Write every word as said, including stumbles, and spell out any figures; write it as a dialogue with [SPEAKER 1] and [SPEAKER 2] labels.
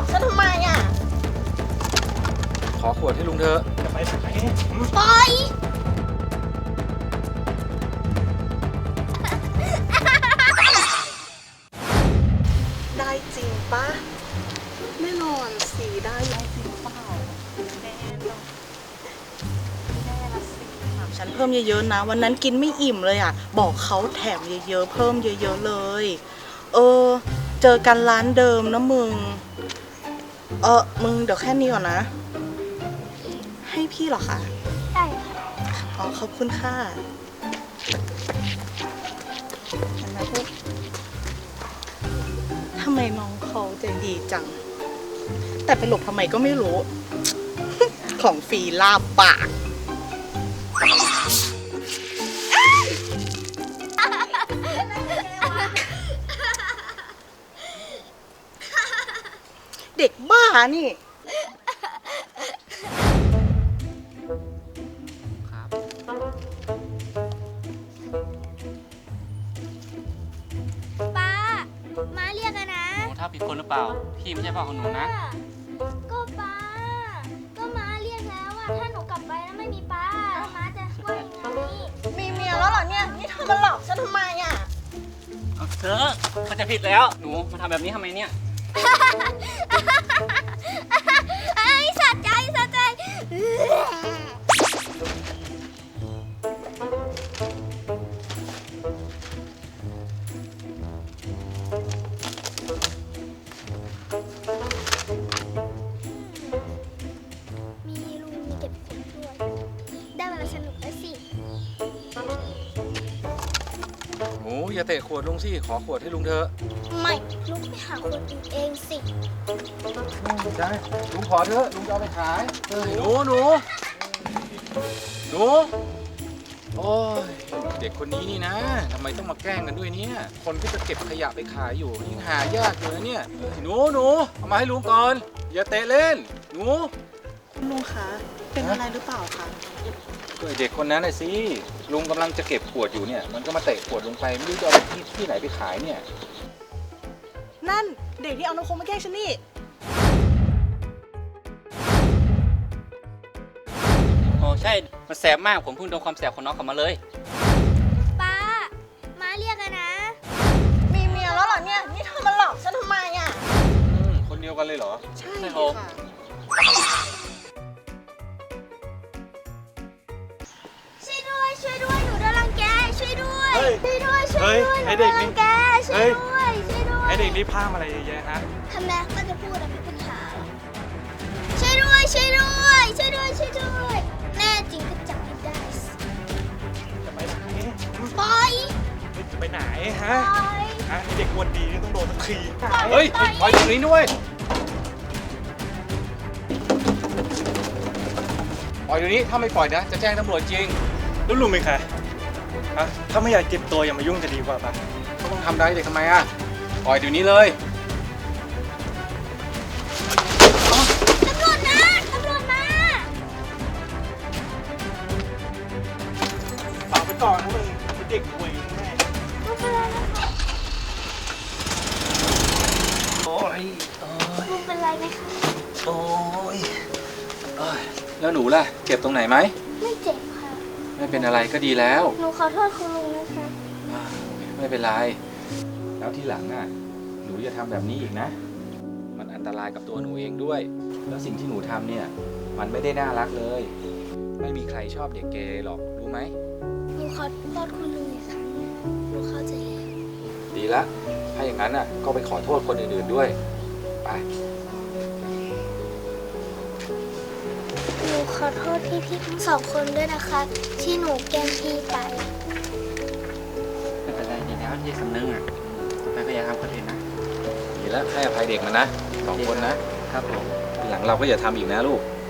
[SPEAKER 1] อกฉันทำไมอ่ะ
[SPEAKER 2] ขอขวดให้ลุงเถอะ
[SPEAKER 3] จะไปไหน
[SPEAKER 1] ปล่อยได้จริงปะแน่นอนสีได้ได้จริงเปล่าแน่นอนแน่ละสิฉันเพิ่มเยอะๆนะวันนั้นกินไม่อิ่มเลยอ่ะบอกเขาแถมเยอะๆเพิ่มเยอะๆเลยเออเจอกันร้านเดิมนะมึงเออมึงเดี๋ยวแค่นี้ก่อนนะให้พี่เหรอคะ
[SPEAKER 4] ได้ค่ะ
[SPEAKER 1] อ๋อขอบคุณค่ะเห็นไหมพวกทำไมน้องเขาใจดีจังแต่ไปหลบทำไมก็ไม่รู้ ของฟรีลาบปากเด็กบ้านี่
[SPEAKER 2] ครับ
[SPEAKER 4] ป้าม้าเรียกอะนะ
[SPEAKER 2] หนูถ้าผิดคนหรือเปล่าพี่ไม่ใช่พ่อของหนูนะ
[SPEAKER 4] ก็ป้าก็ม้าเรียกแล้วอะถ้าหนูกลับไปแล้วไม่มีป้าแล้วม้าจะว่ายังไง
[SPEAKER 1] มีเมียแล้วเหรอเนี่ยนี่เธอมาหลอกฉันทำไมอ่ะ
[SPEAKER 2] เอาเธอมันจะผิดแล้วหนูมาทำแบบนี้ทำไมเนี่ย
[SPEAKER 4] ไอ้สะใจสะใจมีลุงมีเก็บขนด้วยได้เวลาสนุกแล้วสิ
[SPEAKER 2] หนูอย่าเตะขวดลุงสิขอขวดให้ลุงเถอะ
[SPEAKER 4] ไม่ลุงไปหาคนอื่นเองสิ
[SPEAKER 2] ใช่ลุงขอเถอะลุงจะเอาไปขายเฮ้ยหนูหนูหนูโอ้ยเด็กคนนี้นี่นะทำไมต้องมาแกล้งกันด้วยเนี่ยคนที่จะเก็บขยะไปขายอยู่ยังหายากอยู่นะเนี่ยหนูหนูเอามาให้ลุงก่อนอย่าเตะเล่นหนู
[SPEAKER 1] คุณลุงคะเป็นอะไรหรือเปล่าคะ
[SPEAKER 2] ก็เด็กคนนั้นน่ะสิลุงกำลังจะเก็บขวดอยู่เนี่ยมันก็มาเตะขวดลงไปไม่รู้จะเอาไปที่ที่ไหนไปขายเนี่ย
[SPEAKER 1] นั่นเด็กที่เอาน้ำโค้งมาแกล้งฉันนี่
[SPEAKER 2] โอ้ใช่มันแสบมากผมเพิ่งโดนความแสบของน้องเขามาเลย
[SPEAKER 4] ป้าม้าเรียกอะนะ
[SPEAKER 1] มีเมียแล้วเหรอเนี่ยนี่เธอมาหลอกฉันทำไมอ่ะ
[SPEAKER 2] คนเดียวกันเลยเหรอ
[SPEAKER 1] ใช่ค่ะ
[SPEAKER 4] ช่วยด้วยช่วยด้วยหนูโดนรังแกช่วยด้วยช่วยด้วยช่วยด้วยหนูโดนรังแกช่วยด้วยช่วยด้วย
[SPEAKER 3] ไอเด็กนี่พามอะไรเยอะแยะฮะ
[SPEAKER 4] ทำไมก็จะพูดอะไรเป็นปัญหาช่วยด้วยช่วยด้วยช่วยด้วยช่วยด้วยแน่จริงก็จับไม่ได้
[SPEAKER 3] จะไปไหน
[SPEAKER 4] ปล่อย
[SPEAKER 3] จะไปไหนฮะฮะเด็กวันดีนี่ต้องโดนสักที
[SPEAKER 2] เฮ้ยปล่อยตรงนี้ด้วยปล่อยเดี๋ยวนี้ถ้าไม่ปล่อยนะจะแจ้งตำรวจจริง
[SPEAKER 3] แล้วลุงเป็นใครฮะถ้าไม่อยากเจ็บตัวอย่ามายุ่งจะดีกว่าปะ
[SPEAKER 2] เขาต้องทำได้เด็กทำไมอ่ะปล่อยเดี๋ยวนี้เลย
[SPEAKER 4] ตำรวจมาตำรวจมา
[SPEAKER 3] ฝากไปก่อนนะมึงเด็กป่วยแม่โอ้ย
[SPEAKER 4] ลุงเป็นไรไหมคะ
[SPEAKER 2] โอ้ยแล้วหนูล่ะเจ็บตรงไหนไหม
[SPEAKER 4] ไม่เจ็บค่ะ
[SPEAKER 2] ไม่เป็นอะไรก็ดีแล้ว
[SPEAKER 4] หนูขอโทษคุณลุงนะคะ
[SPEAKER 2] ไม่เป็นไรแล้วที่หลังอ่ะหนูอย่าทำแบบนี้อีกนะมันอันตรายกับตัวหนูเองด้วยแล้วสิ่งที่หนูทำเนี่ยมันไม่ได้น่ารักเลยไม่มีใครชอบเด็กเกเรหรอกรู้ไหม
[SPEAKER 4] หนูขอโทษคุณลุงอีกครั้งหนูเข้าใจแล้ว
[SPEAKER 2] ดีละถ้าอย่างนั้นอ่ะก็ไปขอโทษคนอื่นๆด้วยไป
[SPEAKER 4] หนูขอโทษพี่ๆทั้งสองคนด้วยนะคะที่หนูแกล้งพี่ไป
[SPEAKER 2] ไม่เป็นไรดีแล้วที่สำนึกอ่ะไปพยายามทำคนอื่นนะดีแล้วให้อภัยเด็กมันนะสองคนนะครับผมทีหลังเราก็อย่าทำอีกนะลูก